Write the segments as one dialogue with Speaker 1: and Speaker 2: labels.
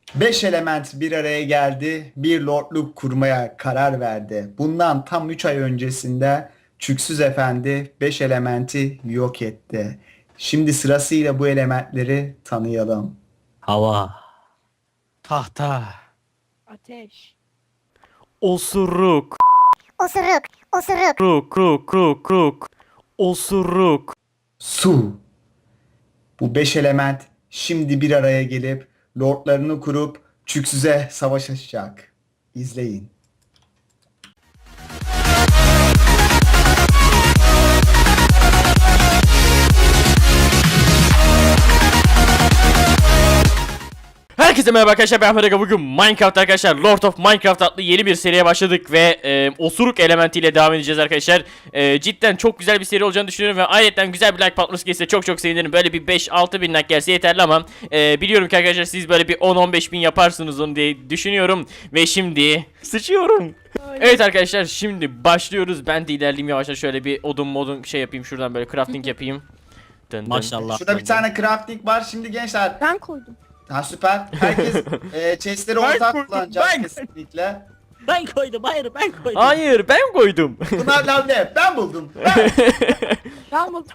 Speaker 1: Beş element bir araya geldi, bir lordluk kurmaya karar verdi. Bundan tam 3 ay öncesinde Çüksüz Efendi 5 elementi yok etti. Şimdi sırasıyla bu elementleri tanıyalım.
Speaker 2: Hava.
Speaker 3: Tahta.
Speaker 4: Ateş.
Speaker 2: Osuruk.
Speaker 5: Osuruk, osuruk,
Speaker 2: Ruk. Osuruk.
Speaker 1: Su. Bu 5 element şimdi bir araya gelip lordlarını kurup Çüksüz'e savaş açacak. İzleyin.
Speaker 6: Herkese merhaba arkadaşlar, ben Fedega. Bugün Minecraft arkadaşlar, Lord of Minecraft adlı yeni bir seriye başladık ve osuruk elementiyle devam edeceğiz arkadaşlar. Cidden çok güzel bir seri olacağını düşünüyorum ve ayrıca güzel bir like patlaması gelirse çok sevinirim. Böyle bir 5-6 bin like gelse yeterli ama biliyorum ki arkadaşlar siz böyle bir 10-15 bin yaparsınız onu diye düşünüyorum. Ve şimdi sıçıyorum. Evet arkadaşlar, şimdi başlıyoruz. Ben de ilerleyeyim yavaşça, şöyle bir odun şey yapayım, şuradan böyle crafting yapayım. Dın dın.
Speaker 2: Maşallah.
Speaker 1: Şurada bir tane crafting var. Şimdi gençler,
Speaker 4: Ben koydum.
Speaker 1: ha süper. Herkes chestleri ortak kullanacak
Speaker 3: ben-
Speaker 1: kesinlikle.
Speaker 2: Ben koydum, hayır ben koydum.
Speaker 6: Hayır, ben koydum.
Speaker 1: Bunlar lavne. Ben buldum. Ben.
Speaker 4: Ben buldum.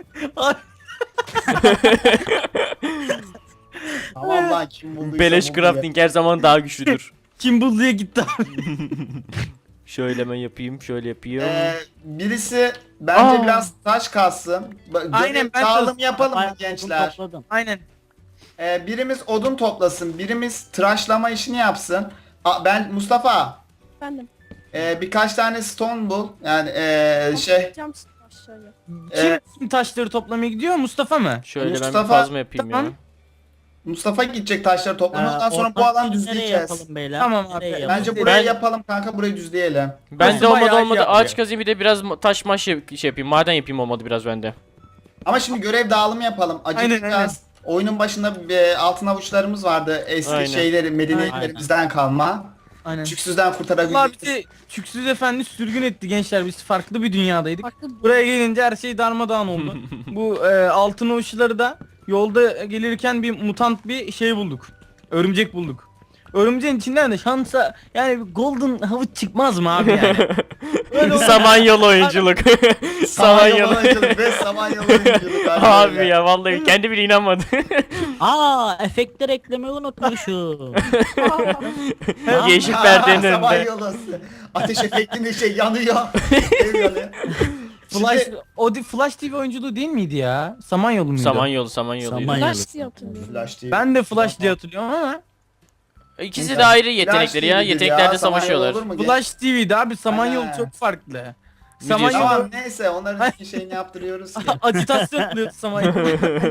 Speaker 1: Tamam lan, kim bulduysa
Speaker 6: Beleş
Speaker 1: buldu.
Speaker 6: crafting her zaman daha güçlüdür.
Speaker 3: Kim bulduya gitti abi.
Speaker 6: Şöyle ben yapayım, şöyle yapayım.
Speaker 1: Birisi bence
Speaker 6: Aa.
Speaker 1: biraz taş kalsın.
Speaker 3: Aynen, ben
Speaker 1: Dağılım
Speaker 3: de-
Speaker 1: yapalım mı
Speaker 2: Ben
Speaker 1: gençler?
Speaker 2: topladım.
Speaker 3: Aynen.
Speaker 1: Birimiz odun toplasın, birimiz tıraşlama işini yapsın. Ben Mustafa,
Speaker 4: Bendim.
Speaker 1: birkaç tane stone bul. Yani
Speaker 4: Toplayacağım aşağıya.
Speaker 3: Kim taşları toplamaya gidiyor? Mustafa mı?
Speaker 6: Şöyle ben
Speaker 1: Mustafa-
Speaker 6: bir kazma yapayım
Speaker 3: Tamam.
Speaker 6: ya.
Speaker 1: Mustafa gidecek taşları toplamaya. Ondan sonra bu
Speaker 2: ortak
Speaker 1: alan
Speaker 2: yeri nereye
Speaker 1: düzleyeceğiz.
Speaker 2: yapalım beyler?
Speaker 3: Tamam abi.
Speaker 2: Nereye
Speaker 3: Bence
Speaker 1: Bence
Speaker 2: yapalım?
Speaker 1: burayı
Speaker 6: Ben-
Speaker 1: yapalım kanka, burayı düzleyelim.
Speaker 6: Ben de
Speaker 3: Nasıl
Speaker 6: olmadı
Speaker 3: bayağı iyi
Speaker 6: ağaç
Speaker 3: yapıyor.
Speaker 6: kazayım, bir de biraz taş maş şey yapayım, maden yapayım, olmadı biraz bende.
Speaker 1: Ama şimdi görev dağılımı yapalım. Acıkacağız.
Speaker 3: Aynen.
Speaker 1: Oyunun başında altın avuçlarımız vardı. Eski
Speaker 6: Aynen.
Speaker 1: şeyleri, medeniyetlerimizden kalma.
Speaker 3: Aynen.
Speaker 1: Çüksüzden
Speaker 3: Allah
Speaker 1: kurtarabildik.
Speaker 3: bizi Çüksüz Efendi sürgün etti gençler. Biz farklı bir dünyadaydık.
Speaker 4: Farklı
Speaker 3: Buraya gelince her şey darmadağın oldu. Bu altın uçları da yolda gelirken bir mutant bir şey bulduk. Örümcek bulduk. Örümceğin içinden de şansa yani bir golden havuç çıkmaz mı abi yani? Öyle oldu.
Speaker 6: Samanyolu oyunculuk. Samanyolu.
Speaker 1: oyunculuk ve Samanyolu oyunculuk.
Speaker 6: Abi ya vallahi kendi bile inanmadı.
Speaker 2: Aa, efektler eklemeyi unutmuşum.
Speaker 6: Yeşil perdenin önünde.
Speaker 1: Samanyolu. Ateş efektinde şey yanıyor. Ev yanıyor.
Speaker 3: Flash,
Speaker 1: Şimdi-
Speaker 3: Flash TV oyunculuğu değil miydi ya? Samanyolu muydu?
Speaker 6: Samanyolu.
Speaker 2: Samanyolu.
Speaker 4: Flash diye hatırlıyorum.
Speaker 1: Flash değil.
Speaker 3: Ben de Flash diye hatırlıyorum ama
Speaker 6: İkisi de ayrı yetenekleri ya.
Speaker 1: TV'dir
Speaker 6: Yeteneklerde
Speaker 1: Samanyolu
Speaker 6: savaşıyorlar.
Speaker 1: olur mu?
Speaker 3: Flash TV'de abi Samanyolu
Speaker 1: Ha.
Speaker 3: çok farklı.
Speaker 6: Biliyorsun.
Speaker 1: Tamam
Speaker 3: Samanyolu
Speaker 1: neyse, onların şeyini yaptırıyoruz ki.
Speaker 3: acitasyon yapıyor Samanyolu.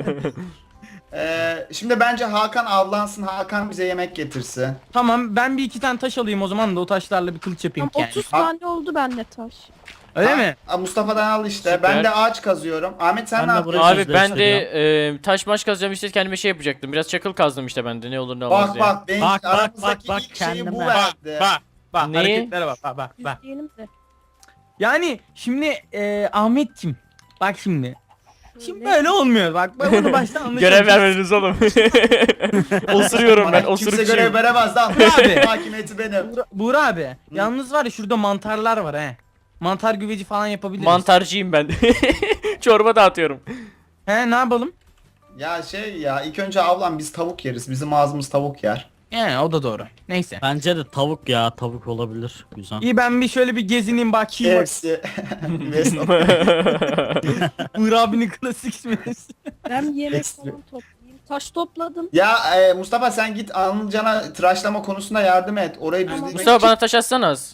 Speaker 1: Şimdi bence Hakan avlansın. Hakan bize yemek getirsin.
Speaker 3: Tamam, ben bir iki tane taş alayım o zaman da o taşlarla bir kılıç yapayım
Speaker 4: Tam
Speaker 3: yani.
Speaker 4: 30 tane oldu bende taş.
Speaker 3: Öyle mi?
Speaker 1: Mustafa'dan al işte.
Speaker 6: Süper.
Speaker 1: Ben de ağaç kazıyorum. Ahmet sen
Speaker 2: Ben
Speaker 1: ne
Speaker 2: de
Speaker 1: yapıyorsun?
Speaker 2: buraya-
Speaker 6: Abi
Speaker 2: Özdeş
Speaker 6: ben de taş maş kazacağım, işte kendime şey yapacaktım. Biraz çakıl kazdım işte ben de, ne olur ne olmaz
Speaker 1: Bak
Speaker 6: diye.
Speaker 1: bak, benim
Speaker 2: Bak, bak,
Speaker 1: aramızdaki
Speaker 2: bak,
Speaker 1: ilk şeyi bu
Speaker 2: kendime.
Speaker 1: verdi.
Speaker 3: Bak
Speaker 6: Neyi?
Speaker 3: hareketlere bak.
Speaker 4: Düzleyelim de.
Speaker 3: Yani şimdi Ahmetciğim bak şimdi. Şimdi
Speaker 4: Şöyle.
Speaker 3: böyle olmuyor bak ben bunu baştan anlaşıldı.
Speaker 6: Görev vermediniz oğlum. Osuruyorum ben,
Speaker 1: Bana kimse
Speaker 6: osurukçuyum.
Speaker 1: görev veremez lan.
Speaker 3: Abi.
Speaker 1: Hakimiyeti benim.
Speaker 3: Buğra abi yalnız var ya şurada mantarlar var he. Mantar güveci falan yapabiliriz.
Speaker 6: Mantarcıyım ben. Çorba dağıtıyorum.
Speaker 3: He, ne yapalım?
Speaker 1: Ya ilk önce avlan, biz tavuk yeriz. Bizim ağzımız tavuk yer.
Speaker 3: Yani o da doğru. Neyse.
Speaker 2: Bence de tavuk ya, tavuk olabilir. Güzel.
Speaker 3: İyi, ben bir şöyle bir gezineyim bakayım.
Speaker 1: Hepsi. West-
Speaker 3: Buğra abinin klasik isminiz.
Speaker 4: Ben yemek
Speaker 1: Ekstra.
Speaker 4: falan toplayayım. Taş topladım.
Speaker 1: Ya Mustafa sen git Anılcan'a tıraşlama konusunda yardım et. Orayı
Speaker 4: Tamam.
Speaker 1: düzlemek
Speaker 6: Mustafa
Speaker 1: için.
Speaker 6: bana taş atsana az.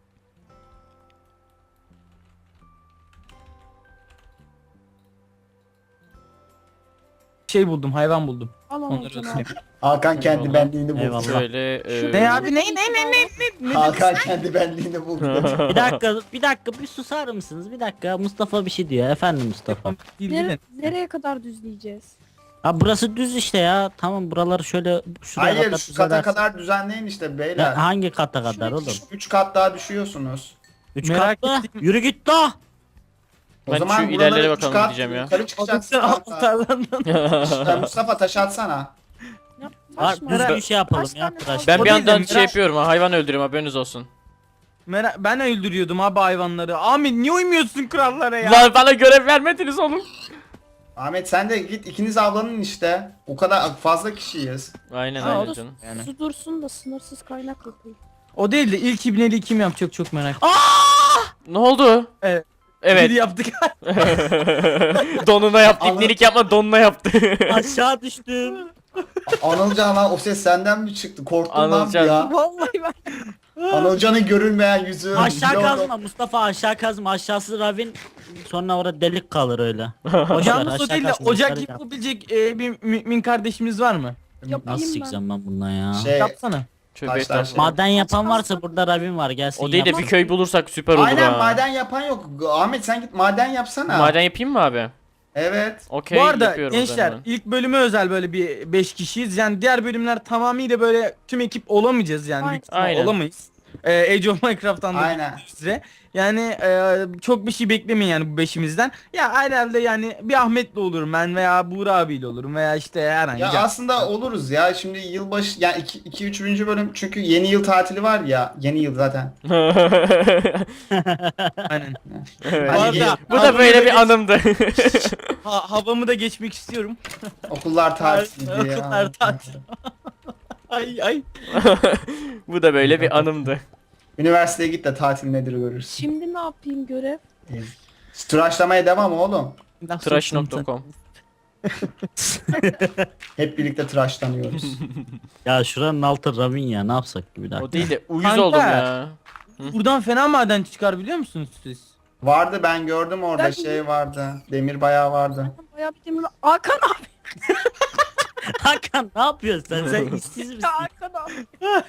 Speaker 3: Şey buldum, hayvan buldum.
Speaker 4: Al
Speaker 3: Onları
Speaker 4: onu canım.
Speaker 3: atayım.
Speaker 1: Hakan kendi
Speaker 6: Eyvallah.
Speaker 1: benliğini buldu.
Speaker 2: Eyvallah.
Speaker 6: Şöyle
Speaker 3: Ne abi ne?
Speaker 1: Hakan kendi benliğini buldu.
Speaker 2: Bir dakika bir susar mısınız? Bir dakika, Mustafa bir şey diyor. Efendim Mustafa.
Speaker 4: Nereye kadar düzleyeceğiz?
Speaker 2: Ha, burası düz işte ya. Tamam, buraları şöyle şuraya
Speaker 1: Hayır,
Speaker 2: kadar
Speaker 1: şu kata
Speaker 2: düzelersin.
Speaker 1: kadar düzenleyin işte beyler.
Speaker 2: Ya, hangi kata kadar oğlum?
Speaker 1: 3 kat daha düşüyorsunuz.
Speaker 2: 3
Speaker 3: Merak
Speaker 2: kat mı?
Speaker 3: ettim.
Speaker 2: Yürü git la.
Speaker 1: O
Speaker 6: Ben
Speaker 1: zaman
Speaker 6: şu
Speaker 1: buraları
Speaker 6: ilerlere
Speaker 1: üç
Speaker 6: bakalım
Speaker 1: kat
Speaker 6: diyeceğim ya.
Speaker 1: Yukarı çıkacaksın.
Speaker 3: Alt
Speaker 1: kanka.
Speaker 3: tarlandan.
Speaker 1: Mustafa taş atsana.
Speaker 2: Var
Speaker 4: Taş mı?
Speaker 2: düzgün
Speaker 3: Merak-
Speaker 2: şey yapalım
Speaker 4: Kaç
Speaker 2: ya.
Speaker 4: tane
Speaker 2: Tıraş.
Speaker 4: kaldı?
Speaker 6: Ben
Speaker 3: O
Speaker 6: bir
Speaker 3: değil de
Speaker 6: yandan şey
Speaker 3: merak-
Speaker 6: yapıyorum ha, hayvan öldürüyorum, haberiniz olsun.
Speaker 3: Ben öldürüyordum abi hayvanları. Ahmet niye uymuyorsun kurallara ya?
Speaker 6: Lan bana görev vermediniz oğlum.
Speaker 1: Ahmet sen de git ikiniz avlanın işte. O kadar fazla kişiyiz.
Speaker 6: Aynen
Speaker 3: Ha,
Speaker 6: aynen
Speaker 3: o da-
Speaker 6: canım.
Speaker 3: Yani.
Speaker 4: Su dursun da sınırsız kaynak yapayım.
Speaker 3: O değil de ilk ibneliği kim yapacak çok merak ettim.
Speaker 6: Ne oldu?
Speaker 3: Evet.
Speaker 6: Evet.
Speaker 3: Biri yaptık.
Speaker 6: Donuna yaptı.
Speaker 1: Anladım.
Speaker 6: İbnelik yapma, donuna yaptı.
Speaker 2: Aşağı düştüm.
Speaker 1: Anılcan lan o ses senden mi çıktı? Korktum lan bir
Speaker 6: Anılcan.
Speaker 1: ya.
Speaker 4: Vallahi ben.
Speaker 1: Anılcan'ın görülmeyen yüzü.
Speaker 2: Aşağı
Speaker 1: Yok.
Speaker 2: kazma Mustafa, aşağı kazma. Aşağısı ravin. Sonra orada delik kalır öyle. Boş ver,
Speaker 3: Yalnız o
Speaker 2: aşağı
Speaker 3: değil de
Speaker 2: kazma,
Speaker 3: ocak
Speaker 2: yukarı yap.
Speaker 3: yapabilecek bir mümin kardeşimiz var mı?
Speaker 4: Yapayım
Speaker 2: Nasıl
Speaker 4: ben.
Speaker 2: çıkacağım ben bundan ya?
Speaker 3: Yapsana.
Speaker 6: Tövbe
Speaker 1: Taşlar
Speaker 6: estağfurullah.
Speaker 1: şey.
Speaker 2: Maden yapan varsa burada ravin var, gelsin
Speaker 6: O değil de
Speaker 2: yapsın.
Speaker 6: bir köy bulursak süper olur
Speaker 1: Aynen
Speaker 6: ha.
Speaker 1: maden yapan yok. Ahmet sen git maden yapsana.
Speaker 6: Maden yapayım mı abi?
Speaker 1: Evet.
Speaker 6: Okey,
Speaker 3: Bu arada
Speaker 6: yapıyorum o
Speaker 3: gençler
Speaker 6: zaman.
Speaker 3: ilk bölüme özel böyle bir 5 kişiyiz. Yani diğer bölümler tamamıyla böyle tüm ekip olamayacağız yani. Büyük ihtimal
Speaker 6: Aynen.
Speaker 3: olamayız. Age of Minecraft'tan da
Speaker 1: Aynen.
Speaker 3: bildiğiniz size. Yani çok bir şey beklemeyin yani bu beşimizden. Ya herhalde yani bir Ahmet'le olurum ben veya Buğra abiyle olurum veya işte herhangi
Speaker 1: Ya aslında oluruz ya. Şimdi yılbaşı yani 2 3. bölüm çünkü yeni yıl tatili var ya. Yeni yıl zaten.
Speaker 3: Aynen.
Speaker 6: Evet.
Speaker 1: Hani
Speaker 3: arada-
Speaker 1: yıl-
Speaker 6: Bu da
Speaker 3: Havamı
Speaker 6: böyle
Speaker 3: da
Speaker 6: bir
Speaker 3: geç-
Speaker 6: anımdı.
Speaker 3: Havamı da geçmek istiyorum.
Speaker 1: okullar tatiliydi ya.
Speaker 3: Okullar tatil. Ay ay.
Speaker 6: Bu da böyle bir anımdı.
Speaker 1: Üniversiteye git de tatil nedir görürsün.
Speaker 4: Şimdi ne yapayım görev?
Speaker 1: Tıraşlamaya devam oğlum.
Speaker 6: Tıraş.com.
Speaker 1: Hep birlikte tıraşlanıyoruz.
Speaker 2: Ya şuranın altı ravin ya, ne yapsak ki bir dakika.
Speaker 6: O değil de uyuz
Speaker 3: Kanka.
Speaker 6: oldum ya.
Speaker 3: Buradan fena maden çıkar biliyor musunuz siz?
Speaker 1: Vardı ben gördüm orada
Speaker 4: Ben-
Speaker 1: şey vardı. Demir bayağı vardı.
Speaker 4: Bayağı bir demir. Hakan abi.
Speaker 2: Hakan ne yapıyorsun sen? Sen işsiz misin?
Speaker 4: Hakan abi.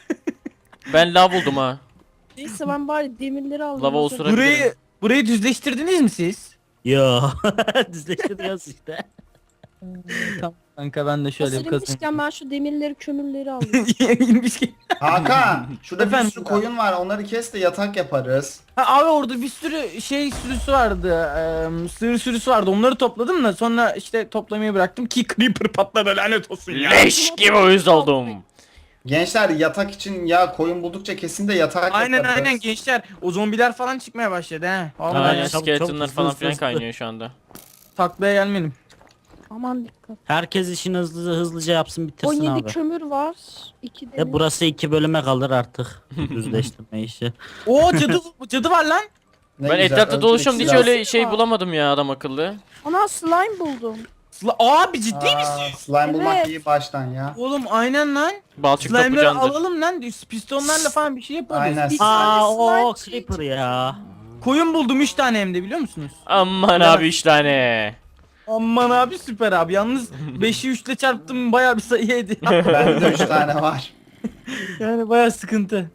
Speaker 6: Ben lav buldum ha.
Speaker 4: Neyse ben bari demirleri aldım.
Speaker 6: Lava
Speaker 4: O
Speaker 6: osura-
Speaker 4: zaman.
Speaker 3: Burayı düzleştirdiniz mi siz?
Speaker 2: Yo. Düzleştiriyoruz işte.
Speaker 3: Tamam kanka ben de şöyle bir
Speaker 4: Hazır
Speaker 3: kazayım.
Speaker 4: inmişken ben şu demirleri kömürleri alayım.
Speaker 3: İnmiş ki.
Speaker 1: Hakan şurada bir
Speaker 3: Efendim?
Speaker 1: sürü koyun var onları kes de yatak yaparız.
Speaker 3: Ha, abi orada bir sürü şey sürüsü vardı. Sığır sürüsü vardı. Onları topladım da sonra işte toplamayı bıraktım ki creeper patladı lanet olsun ya.
Speaker 6: Leş gibi uyuz oldum.
Speaker 1: Gençler yatak için ya koyun buldukça kesin de yatak
Speaker 3: Aynen
Speaker 1: yaparız.
Speaker 3: aynen gençler. O zombiler falan çıkmaya başladı he. Vallahi
Speaker 6: Aynen,
Speaker 2: çabuk,
Speaker 6: skeletonlar
Speaker 2: çabuk,
Speaker 6: falan
Speaker 2: hızlı,
Speaker 6: filan
Speaker 2: hızlı.
Speaker 6: kaynıyor şu anda.
Speaker 3: taklaya gelmedim.
Speaker 4: Aman dikkat.
Speaker 2: Herkes işini hızlıca yapsın, bitirsin
Speaker 4: 17
Speaker 2: abi.
Speaker 4: kömür var. 2 demir.
Speaker 2: Ya burası 2 bölüme kalır artık. Düzleştirme işi.
Speaker 3: Oo cadı var lan.
Speaker 1: Ne
Speaker 6: Ben
Speaker 1: güzel,
Speaker 6: etrafta
Speaker 1: öldürük
Speaker 6: dolaşıyorum, hiç
Speaker 1: silah.
Speaker 6: öyle şey
Speaker 4: Var.
Speaker 6: bulamadım ya adam akıllı.
Speaker 4: Ana slime buldum.
Speaker 3: Abi ciddi
Speaker 1: Aa,
Speaker 3: misin?
Speaker 1: slime bulmak
Speaker 4: Evet.
Speaker 1: iyi baştan ya.
Speaker 3: Oğlum aynen lan.
Speaker 6: Balçık
Speaker 3: Slime'ları
Speaker 6: toplacandır.
Speaker 3: alalım lan. Pistonlarla falan bir şey yaparız.
Speaker 1: Aynen.
Speaker 4: Bir
Speaker 2: Aa
Speaker 4: tane
Speaker 2: o
Speaker 4: slime
Speaker 2: creeper ya.
Speaker 3: Koyun buldum 3 tane hem de biliyor musunuz?
Speaker 6: Aman abi 3 tane.
Speaker 3: Aman abi süper abi. Yalnız 5'i 3 ile çarptım bayağı bir sayı ediyor.
Speaker 1: Bende de 3 tane var.
Speaker 3: Yani bayağı sıkıntı.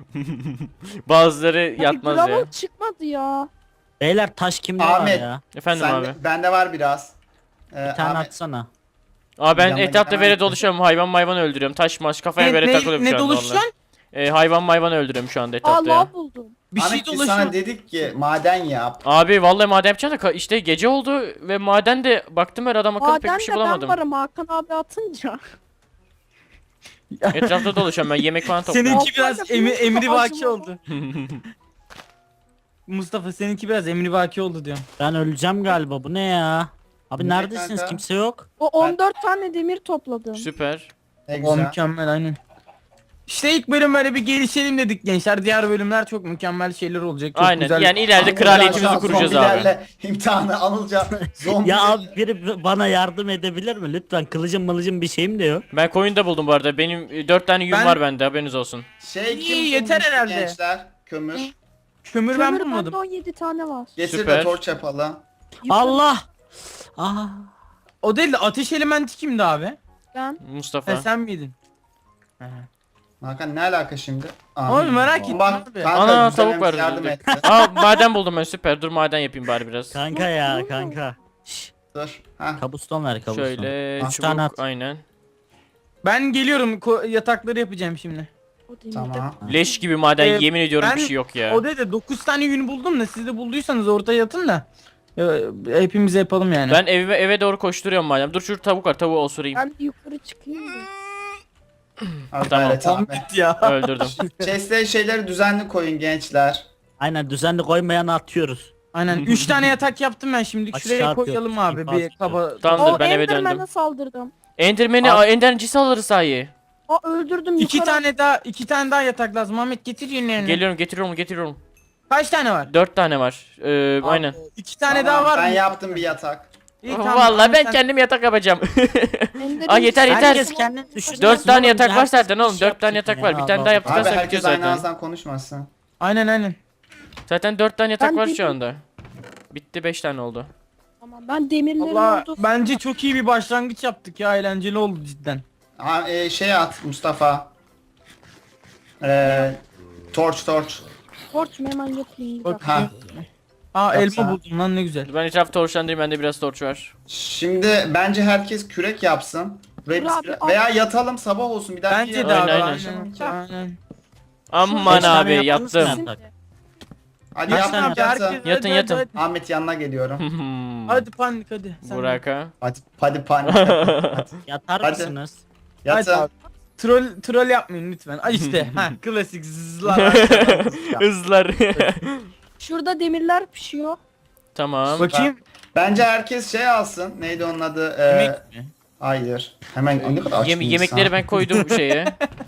Speaker 6: Bazıları
Speaker 4: Ya
Speaker 6: yatmaz
Speaker 4: gravel
Speaker 6: ya.
Speaker 4: çıkmadı ya.
Speaker 2: Beyler taş kimde
Speaker 1: Ahmet.
Speaker 2: var ya?
Speaker 6: Efendim
Speaker 1: Sen
Speaker 6: abi.
Speaker 1: bende var biraz.
Speaker 2: Bir tane
Speaker 1: Ahmet,
Speaker 2: atsana.
Speaker 6: Abi ben
Speaker 1: Yanına
Speaker 6: etrafta
Speaker 1: gidemem
Speaker 6: böyle
Speaker 1: ki.
Speaker 6: dolaşıyorum, hayvan öldürüyorum. Taş maş kafaya göre takılıyorum
Speaker 3: ne
Speaker 6: şu anda
Speaker 3: dolaşıyorsun?
Speaker 6: vallahi. Hayvan öldürüyorum şu anda etrafta ya.
Speaker 4: Allah buldum.
Speaker 3: Bir şey
Speaker 1: Ahmet biz
Speaker 3: dolaşıyor.
Speaker 1: sana dedik ki maden yap.
Speaker 6: Abi vallahi maden yapacağım da işte gece oldu ve maden de baktım her adam akıllı pek
Speaker 4: Maden
Speaker 6: bir
Speaker 4: de
Speaker 6: şey
Speaker 4: ben
Speaker 6: bulamadım.
Speaker 4: varım Hakan abi atınca.
Speaker 6: Etrafta dolaşıyorum ben, yemek falan topluyorum.
Speaker 3: Seninki biraz
Speaker 4: Altına yapıyorsun,
Speaker 3: emri vaki
Speaker 4: acıma.
Speaker 3: oldu. Mustafa seninki biraz emri vaki oldu diyorum.
Speaker 2: Ben öleceğim galiba, bu ne ya? Abi
Speaker 1: Ne
Speaker 2: neredesiniz,
Speaker 1: kanka?
Speaker 2: kimse yok.
Speaker 4: O 14 tane demir topladım.
Speaker 6: Süper.
Speaker 1: Ne
Speaker 3: O
Speaker 1: güzel.
Speaker 3: mükemmel aynen. İşte ilk bölüm böyle bir gelişelim dedik gençler. Diğer bölümler çok mükemmel şeyler olacak. Çok
Speaker 6: Aynen
Speaker 3: güzel.
Speaker 6: yani ileride
Speaker 1: Anılcan
Speaker 6: kraliyetimizi
Speaker 1: şu an
Speaker 6: kuracağız abi.
Speaker 1: zombilerle imtihanı Anılcan. Zombi.
Speaker 2: Ya abi biri bana yardım edebilir mi? Lütfen, kılıcım mılıcım bir şeyim de yok.
Speaker 6: Ben koyun da buldum bu arada. Benim 4 tane yün
Speaker 3: Ben-
Speaker 6: var bende, haberiniz olsun.
Speaker 1: Şey kim
Speaker 3: İyi, yeter
Speaker 1: bulmuştu
Speaker 3: herhalde.
Speaker 1: Gençler kömür.
Speaker 3: Kömür ben
Speaker 4: Kömür
Speaker 3: bulmadım.
Speaker 4: bende 17 tane var.
Speaker 1: Getir
Speaker 6: Süper.
Speaker 1: de torç yapalım.
Speaker 4: Yukarı
Speaker 2: Allah! Aa,
Speaker 3: O değil de ateş elementi kimdi abi?
Speaker 4: Ben.
Speaker 6: Mustafa.
Speaker 3: Sen miydin? He.
Speaker 1: Hakan ne alaka şimdi?
Speaker 3: Oğlum merak ettim
Speaker 1: Bak
Speaker 3: abi.
Speaker 1: kanka
Speaker 6: Ana,
Speaker 1: güzel
Speaker 6: tavuk var
Speaker 1: yardım
Speaker 6: öldürdük.
Speaker 1: etti.
Speaker 6: Aa maden buldum ben, süper. Dur maden yapayım bari biraz.
Speaker 2: kanka ya kanka. Şş,
Speaker 1: Dur. Ha.
Speaker 2: kabuston ver, kabuston.
Speaker 6: Şöyle
Speaker 2: Üç tane
Speaker 6: çubuk
Speaker 2: at.
Speaker 6: aynen.
Speaker 3: Ben geliyorum yatakları yapacağım şimdi.
Speaker 4: O demirde.
Speaker 1: Tamam.
Speaker 6: Leş gibi maden,
Speaker 3: Ee,
Speaker 6: yemin ediyorum
Speaker 3: ben-
Speaker 6: bir şey yok ya.
Speaker 3: O değil de 9 tane yün buldum da siz de bulduysanız ortaya yatın da. Ya, hepimize yapalım yani.
Speaker 6: Ben eve doğru koşturuyorum madem. Dur şu tavuk var, tavuğu osurayım.
Speaker 4: Ben bir yukarı çıkayım da.
Speaker 1: Hadi
Speaker 6: Tamam.
Speaker 1: gayret abi.
Speaker 3: Ahmet ya.
Speaker 6: Öldürdüm.
Speaker 1: Chest'e şeyleri düzenli koyun gençler.
Speaker 2: Aynen düzenli koymayanı atıyoruz.
Speaker 3: Aynen 3 tane yatak yaptım ben şimdi.
Speaker 2: Aşağı
Speaker 3: Şuraya
Speaker 2: atıyor.
Speaker 3: koyalım abi
Speaker 2: İnfaz
Speaker 3: bir kaba.
Speaker 6: Tamamdır
Speaker 4: O
Speaker 6: ben eve
Speaker 4: Enderman'e
Speaker 6: döndüm.
Speaker 4: saldırdım.
Speaker 6: Enderman'i Ender'cisi alırız sahi.
Speaker 4: Aa öldürdüm
Speaker 3: İki
Speaker 4: yukarı.
Speaker 3: iki tane daha yatak lazım. Ahmet getir yünlerini.
Speaker 6: Getiriyorum.
Speaker 3: Kaç tane var?
Speaker 6: 4 tane var. Aynen.
Speaker 3: 2 tane
Speaker 1: Tamam,
Speaker 3: daha var
Speaker 1: ben
Speaker 3: mı?
Speaker 1: yaptım bir yatak.
Speaker 3: İyi, tamam.
Speaker 6: Vallahi
Speaker 3: Ahmet
Speaker 6: ben
Speaker 3: sen-
Speaker 6: kendim yatak yapacağım.
Speaker 4: Ender'in
Speaker 6: Aa, yeter.
Speaker 2: Herkes kendini düşünsün.
Speaker 6: 4 tane
Speaker 2: Oğlum,
Speaker 6: yatak var
Speaker 2: herkes
Speaker 6: zaten
Speaker 2: bir
Speaker 6: oğlum.
Speaker 2: şey
Speaker 6: 4 tane
Speaker 2: yapsın
Speaker 6: yatak var.
Speaker 2: ya,
Speaker 6: Bir tane
Speaker 2: Allah
Speaker 6: daha
Speaker 2: Allah.
Speaker 6: yaptıktan
Speaker 1: Abi
Speaker 6: sonra bitiyor
Speaker 1: herkes aynı
Speaker 6: zaten.
Speaker 1: ağızdan konuşmasın.
Speaker 3: Aynen.
Speaker 6: Zaten 4 tane yatak
Speaker 4: Ben
Speaker 6: var
Speaker 4: dedim-
Speaker 6: şu anda. Bitti 5 tane oldu.
Speaker 4: Tamam, ben demirlerim
Speaker 3: Allah
Speaker 4: oldu.
Speaker 3: bence çok iyi bir başlangıç yaptık ya. Eğlenceli oldu cidden.
Speaker 1: Şey at Mustafa. Torch.
Speaker 4: Torç mu hemen yapayım bir
Speaker 3: Bak.
Speaker 4: dakika.
Speaker 1: Ha.
Speaker 3: Aa
Speaker 1: Yapsana.
Speaker 3: elma buldum lan ne güzel.
Speaker 6: Ben etrafı torçlandırayım. Bende biraz torç var.
Speaker 1: Şimdi bence herkes kürek yapsın. Buraya
Speaker 4: Dur
Speaker 1: biz
Speaker 4: abi, al.
Speaker 1: veya yatalım sabah olsun bir daha.
Speaker 3: Bence de abi.
Speaker 6: Aynen.
Speaker 3: Aynen.
Speaker 6: Aman
Speaker 2: Beş tane
Speaker 6: abi
Speaker 2: yaptınız mı
Speaker 6: yattım.
Speaker 2: yatak?
Speaker 1: Hadi
Speaker 2: Kaç
Speaker 1: yatın
Speaker 2: tane
Speaker 3: Abi,
Speaker 1: yatın.
Speaker 3: herkes-
Speaker 6: Yatın,
Speaker 3: hadi,
Speaker 6: yatın.
Speaker 3: hadi,
Speaker 1: Ahmet yanına geliyorum.
Speaker 3: Hadi panik hadi. Sen de.
Speaker 6: Burak'a.
Speaker 1: Hadi panik.
Speaker 2: Yatar
Speaker 1: Hadi.
Speaker 2: mısınız?
Speaker 3: Hadi
Speaker 1: Yatın.
Speaker 3: abi. Troll yapmayın lütfen. Ay işte. ha klasik zızlar.
Speaker 6: Hızlar.
Speaker 4: Şurada demirler pişiyor.
Speaker 6: Tamam.
Speaker 3: Bakayım.
Speaker 1: Bence herkes şey alsın. Neydi onun adı?
Speaker 3: Yemek mi?
Speaker 1: Hayır. Hemen ne kadar aç bir insan.
Speaker 6: Yemekleri ben koydum bu şeye.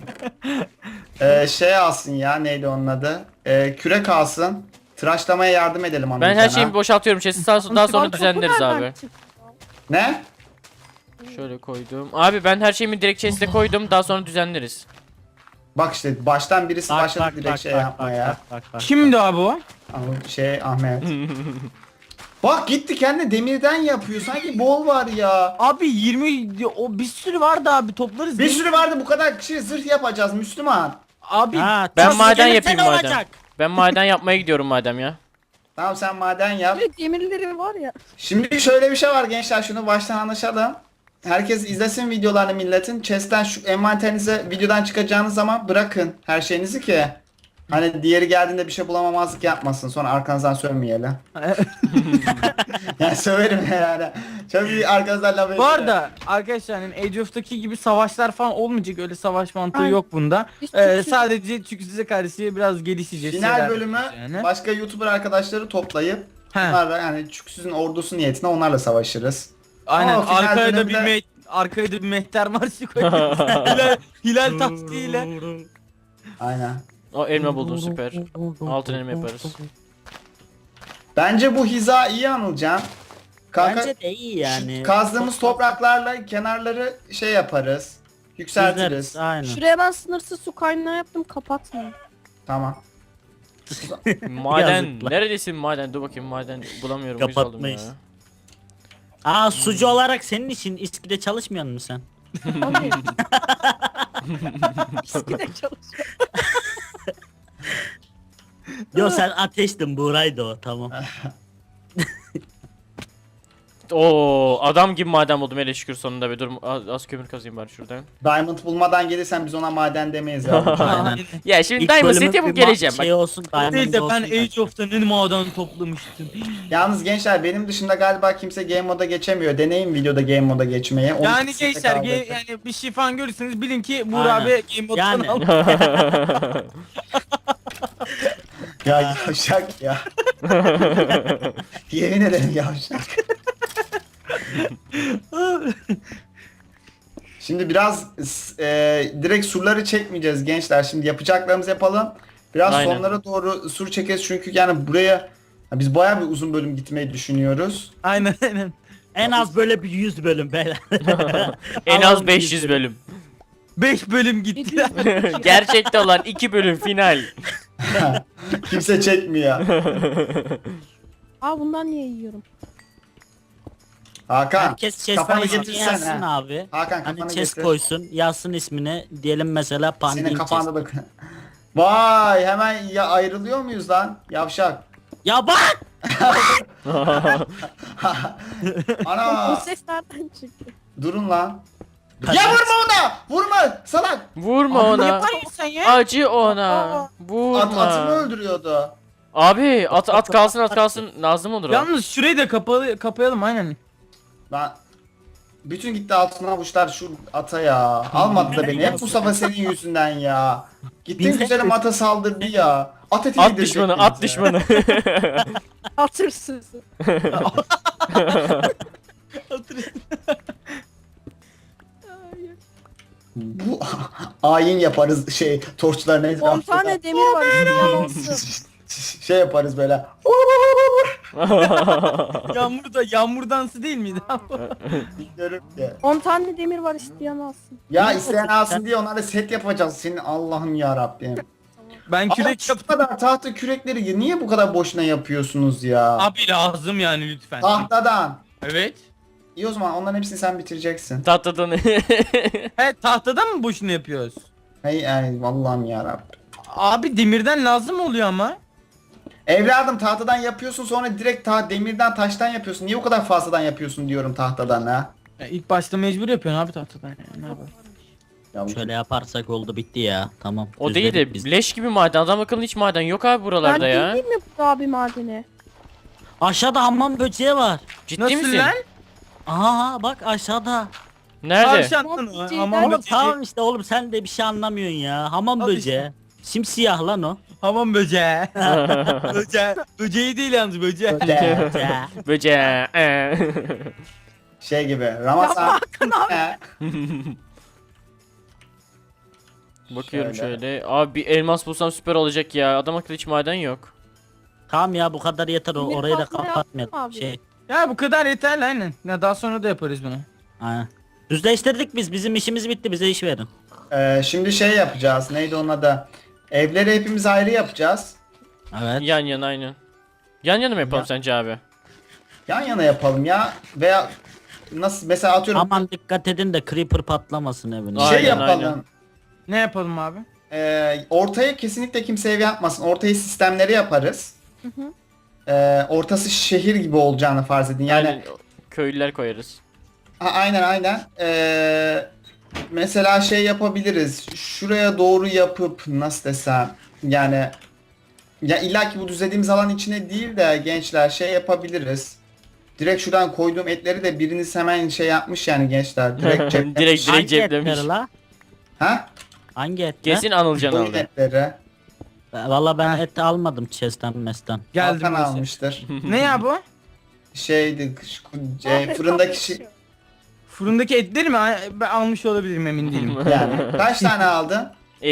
Speaker 1: Şey alsın ya neydi onun adı? Kürek alsın. Tıraşlamaya yardım edelim
Speaker 6: Ben
Speaker 1: Anılcan'a.
Speaker 6: her şeyi boşaltıyorum. Chest'i daha sonra
Speaker 4: Kapı
Speaker 6: düzenleriz
Speaker 4: nereden
Speaker 6: abi.
Speaker 4: çıktı?
Speaker 1: Ne?
Speaker 6: Şöyle koydum. Abi ben her şeyimi direkt chest'e koydum. Daha sonra düzenleriz.
Speaker 1: Bak işte baştan birisi başladı direkt şey yapmaya.
Speaker 2: bak.
Speaker 3: Kimdi abi o?
Speaker 1: Ahmet. Bak gitti kendi demirden yapıyor. Sanki bol var ya.
Speaker 3: Abi 20 o bir sürü vardı abi toplarız.
Speaker 1: Bir sürü vardı bu kadar kişi zırh yapacağız Müslüman.
Speaker 3: Abi
Speaker 2: Ha,
Speaker 6: Ben
Speaker 2: tas
Speaker 6: maden
Speaker 2: gelirse
Speaker 6: yapayım
Speaker 2: ne
Speaker 6: madem.
Speaker 2: olacak?
Speaker 6: Ben maden yapmaya gidiyorum madem ya.
Speaker 1: Tamam sen maden yap.
Speaker 4: Böyle demirleri var ya.
Speaker 1: Şimdi şöyle bir şey var gençler şunu baştan anlaşalım. Herkes izlesin videolarını milletin. Chest'ten şu envanterinize videodan çıkacağınız zaman bırakın her şeyinizi ki. Hani diğeri geldiğinde bir şey bulamamazlık yapmasın. Sonra arkanızdan sövmeyelim. Yani söverim yani. Çok iyi arkanızdan laf
Speaker 3: bu
Speaker 1: ediyor.
Speaker 3: arada arkadaşlar hani Age of'taki gibi savaşlar falan olmayacak, öyle savaş mantığı
Speaker 4: Aynen.
Speaker 3: yok bunda.
Speaker 4: Biz Türk'üz.
Speaker 3: Sadece çünkü size karşı biraz gelişeceğiz.
Speaker 1: Final
Speaker 3: şeyler
Speaker 1: bölümü
Speaker 3: yapacağız yani.
Speaker 1: başka YouTuber arkadaşları toplayıp
Speaker 3: He.
Speaker 1: onlarla yani Çüksüz'ün ordusu niyetine onlarla savaşırız.
Speaker 3: Aynen
Speaker 1: Ama final
Speaker 3: arkaya da
Speaker 1: bölümde-
Speaker 3: arkaya da bir mehter marşı koyuyoruz. hilal taktiğiyle.
Speaker 1: Aynen.
Speaker 6: O elma buldum süper. Altın elma yaparız.
Speaker 1: Bence bu hiza iyi Anılcan. Kanka
Speaker 2: Bence de iyi yani.
Speaker 1: kazdığımız topraklarla kenarları şey yaparız. Yükseltiriz.
Speaker 2: Düzleriz, aynen.
Speaker 4: Şuraya ben sınırsız su kaynağı yaptım, kapatmayın.
Speaker 1: Tamam.
Speaker 6: Maden.
Speaker 2: Yazıklar.
Speaker 6: Neredesin maden? Dur bakayım maden bulamıyorum. Uyuz oldum ya.
Speaker 2: Kapatmayız. Aa sucu olarak senin için İSKİ'de çalışmıyor musun sen?
Speaker 4: Abi. İskide çalışıyor.
Speaker 2: Yo sen ateştin Buray'dı o tamam.
Speaker 6: Oo adam gibi maden buldum hele şükür sonunda be. Dur az kömür kazayım bari şuradan.
Speaker 1: Diamond bulmadan gelirsen biz ona maden demeyiz ya.
Speaker 2: Aynen.
Speaker 6: Ya şimdi
Speaker 2: İlk
Speaker 6: Diamond
Speaker 2: bölümü
Speaker 6: set yapıp
Speaker 2: bir
Speaker 6: geleceğim.
Speaker 2: şey olsun
Speaker 3: Değil
Speaker 2: Diamond
Speaker 3: de
Speaker 2: olsun.
Speaker 3: ben Age of'ta ne maden toplamıştım.
Speaker 1: Yalnız gençler benim dışında galiba kimse game moda geçemiyor. Deneyin videoda game moda geçmeyi. Onu
Speaker 3: Yani
Speaker 1: kesinlikle
Speaker 3: gençler
Speaker 1: kaldırın.
Speaker 3: yani bir şey falan görürseniz bilin ki Buğra
Speaker 2: Aynen.
Speaker 3: abi Game Mode'dan
Speaker 2: Yani.
Speaker 3: aldı.
Speaker 1: Ya yavşak ya. Yemin ederim yavşak. Şimdi biraz direkt surları çekmeyeceğiz gençler. Şimdi yapacaklarımızı yapalım. Biraz
Speaker 6: Aynen.
Speaker 1: sonlara doğru sur çekeriz çünkü yani buraya biz bayağı bir uzun bölüm gitmeyi düşünüyoruz.
Speaker 3: Aynen.
Speaker 2: En az böyle bir 100 bölüm beyler.
Speaker 6: En
Speaker 2: Alalım
Speaker 6: az 500 bölüm.
Speaker 3: 5 bölüm gitti.
Speaker 6: Gerçekte olan 2 bölüm final.
Speaker 1: Kimse çekmiyor.
Speaker 4: Aa bundan niye yiyorum?
Speaker 1: Hakan
Speaker 2: Herkes
Speaker 1: kafanı
Speaker 2: chest'e
Speaker 1: getirsene.
Speaker 2: yazsın abi.
Speaker 1: Hakan
Speaker 2: Hani
Speaker 1: kafanı
Speaker 2: chest
Speaker 1: getir.
Speaker 2: koysun, yazsın ismini. Diyelim mesela
Speaker 1: Senin
Speaker 2: Pandin chest.
Speaker 1: kafanda da... Vay hemen ya ayrılıyor muyuz lan? Yavşak.
Speaker 2: Ya bak!
Speaker 4: O
Speaker 1: Ana
Speaker 4: ses nereden çıktı?
Speaker 1: durun lan. Ya vurma ona! Vurma salak!
Speaker 6: Vurma
Speaker 3: Ne
Speaker 6: ona.
Speaker 3: yapıyorsun sen ya?
Speaker 6: Acı ona.
Speaker 4: Aa.
Speaker 6: Vurma.
Speaker 1: Atımı öldürüyordu.
Speaker 6: Abi at kalsın lazım olur o.
Speaker 3: Yalnız şurayı da kapayalım aynen.
Speaker 1: Ben Bütün gitti altın avuçlar şu ata ya. Almadı da beni. Hep Mustafa senin yüzünden ya. Gittin
Speaker 2: Bize-
Speaker 1: güzelim ata saldırdı ya. At eti
Speaker 6: At
Speaker 1: yedirecek
Speaker 6: düşmanı,
Speaker 1: bize.
Speaker 6: at düşmanı.
Speaker 4: Atırsız.
Speaker 1: Bu ayin yaparız şey torçların
Speaker 4: 10
Speaker 1: etrafında.
Speaker 4: tane demir var isteyen olsun.
Speaker 1: Şey yaparız böyle.
Speaker 3: Yağmur dansı değil miydi?
Speaker 1: Bilmiyorum ki.
Speaker 4: 10 tane demir var isteyen alsın.
Speaker 1: Ya isteyen alsın diye onlara set yapacağız. Senin Allah'ım ya Rabbim.
Speaker 3: Ben
Speaker 1: Ama
Speaker 3: kürek
Speaker 1: şu
Speaker 3: yaptım.
Speaker 1: kadar tahta kürekleri niye bu kadar boşuna yapıyorsunuz ya?
Speaker 3: Abi lazım yani lütfen.
Speaker 1: Tahtadan.
Speaker 3: Evet.
Speaker 1: İyi o zaman onların hepsini sen bitireceksin.
Speaker 6: Tahtadan.
Speaker 3: He tahtadan mı boşuna yapıyoruz?
Speaker 1: Hey ay Allah'ım ya Rabbim.
Speaker 3: Abi demirden lazım oluyor ama.
Speaker 1: Evladım tahtadan yapıyorsun sonra direkt demirden taştan yapıyorsun. Niye o kadar fazladan yapıyorsun diyorum tahtadan ha?
Speaker 3: İlk başta mecbur yapıyorsun abi tahtadan. Yani. Ne yapalım?
Speaker 1: Ya bu-
Speaker 2: Şöyle yaparsak oldu bitti ya. Tamam.
Speaker 6: O değil
Speaker 2: düzledik
Speaker 6: de
Speaker 2: biz.
Speaker 6: leş gibi maden. Adam akıllı hiç maden yok abi buralarda
Speaker 4: Ben
Speaker 6: ya.
Speaker 4: değil mi bu abi madeni?
Speaker 2: Aşağıda hamam böceği var.
Speaker 6: Ciddi
Speaker 3: Nasıl
Speaker 6: misin?
Speaker 3: lan?
Speaker 2: Aha bak aşağıda.
Speaker 6: Nerede?
Speaker 3: Tavşan mı?
Speaker 4: Böceği
Speaker 3: Hamam
Speaker 4: ben-
Speaker 2: Oğlum
Speaker 3: böceği.
Speaker 2: tamam işte oğlum sen de bir şey anlamıyorsun ya. Hamam
Speaker 3: Al
Speaker 2: böceği.
Speaker 3: işte.
Speaker 2: Simsiyah lan o.
Speaker 3: Hamam böceği. Böceği. Böceği değil yalnız böceği.
Speaker 1: De,
Speaker 2: Ya.
Speaker 6: Böceği.
Speaker 1: şey gibi Ramazan.
Speaker 6: Bakıyorum
Speaker 1: Şöyle.
Speaker 6: şöyle. Abi bir elmas bulsam süper olacak ya. Adam akıllı hiç maden yok.
Speaker 2: Tamam ya bu kadar yeter
Speaker 4: Demir
Speaker 2: orayı da
Speaker 4: kazma
Speaker 2: kapatmayalım.
Speaker 4: yaptım abi.
Speaker 2: Şey.
Speaker 3: Ya bu kadar yeterli aynen. Ya daha sonra da yaparız bunu.
Speaker 2: Aynen. Düzleştirdik biz. Bizim işimiz bitti. Bize iş verin.
Speaker 1: Şimdi şey yapacağız. Neydi onun adı? Evleri hepimiz ayrı yapacağız.
Speaker 2: Evet.
Speaker 6: Yan yana aynen. Yan yana mı yapalım
Speaker 1: Ya.
Speaker 6: sence abi?
Speaker 1: Yan yana yapalım ya. Veya nasıl mesela atıyorum
Speaker 2: Aman dikkat edin de creeper patlamasın evine.
Speaker 1: şey
Speaker 6: Aynen,
Speaker 1: yapalım.
Speaker 6: aynen.
Speaker 3: Ne yapalım abi?
Speaker 1: Ortaya kesinlikle kimse ev yapmasın. Ortaya sistemleri yaparız.
Speaker 4: hı.
Speaker 1: Ortası şehir gibi olacağını farz edin. Yani
Speaker 6: Aynen. Köylüler koyarız.
Speaker 1: aynen. Mesela şey yapabiliriz. Şuraya doğru yapıp nasıl desem yani ya illa ki bu düzlediğimiz alan içine değil de gençler şey yapabiliriz. Direkt şuradan koyduğum etleri de biriniz hemen şey yapmış yani gençler. Direkt cepte.
Speaker 6: direkt
Speaker 2: Hangi
Speaker 6: ceplemiş.
Speaker 2: etleri la?
Speaker 1: Ha?
Speaker 2: Hangi etler?
Speaker 6: Kesin Anılcan
Speaker 1: Koyun
Speaker 6: aldı.
Speaker 1: etleri.
Speaker 2: Valla ben et almadım chest'ten mesten.
Speaker 3: Geldim
Speaker 1: Hakan
Speaker 3: mesela.
Speaker 1: almıştır.
Speaker 3: Ne ya bu?
Speaker 1: Şeydi fırındaki şey
Speaker 3: Fırındaki etleri mi? Ben almış olabilirim emin değilim.
Speaker 1: yani. Kaç tane aldın?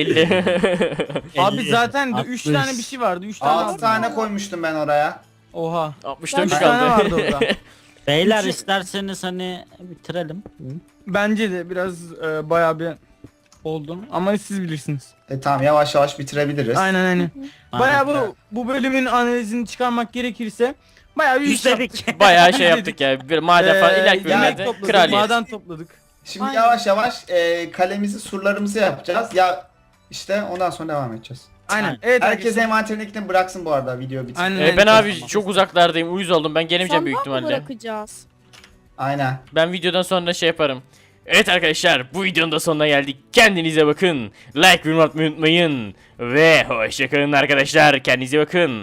Speaker 6: 50.
Speaker 3: Abi
Speaker 2: 50,
Speaker 3: zaten 3
Speaker 2: 60.
Speaker 3: tane bir şey vardı. 3 tane
Speaker 1: 6
Speaker 3: aldım.
Speaker 1: tane koymuştum ben oraya.
Speaker 3: Oha.
Speaker 6: 64
Speaker 3: 3
Speaker 4: Ben-
Speaker 3: tane vardı
Speaker 6: kaldı.
Speaker 3: orada.
Speaker 2: Beyler
Speaker 3: Üçü-
Speaker 2: isterseniz hani bitirelim. Hı.
Speaker 3: Bence de biraz bayağı bir oldu. Ama siz bilirsiniz.
Speaker 1: Tamam yavaş yavaş bitirebiliriz.
Speaker 3: Aynen. Bayağı
Speaker 2: Aynen.
Speaker 3: bu bölümün analizini çıkarmak gerekirse bayağı bir iş yaptık.
Speaker 2: Düzledik.
Speaker 6: Bayağı şey yaptık ya. Bir maden falan ileriki
Speaker 3: yemek
Speaker 6: bölümlerde
Speaker 3: topladık,
Speaker 6: kraliyet.
Speaker 3: maden topladık.
Speaker 1: Şimdi
Speaker 4: Aynen.
Speaker 1: yavaş yavaş kalemizi, surlarımızı yapacağız. Ya işte ondan sonra devam edeceğiz.
Speaker 3: Aynen.
Speaker 2: Aynen.
Speaker 3: Evet
Speaker 1: Herkes envanterindekini bıraksın bu arada video bitince.
Speaker 3: Aynen.
Speaker 6: Ben abi
Speaker 2: Tamam.
Speaker 6: çok uzaklardayım. Uyuz oldum. Ben gelemeyeceğim büyük
Speaker 4: Sandığa mı
Speaker 6: ihtimalle.
Speaker 4: bırakacağız?
Speaker 1: Aynen.
Speaker 6: Ben videodan sonra şey yaparım. Evet arkadaşlar bu videonun da sonuna geldik. Kendinize bakın. Like ve yorum atmayı unutmayın. Ve hoşçakalın arkadaşlar. Kendinize bakın.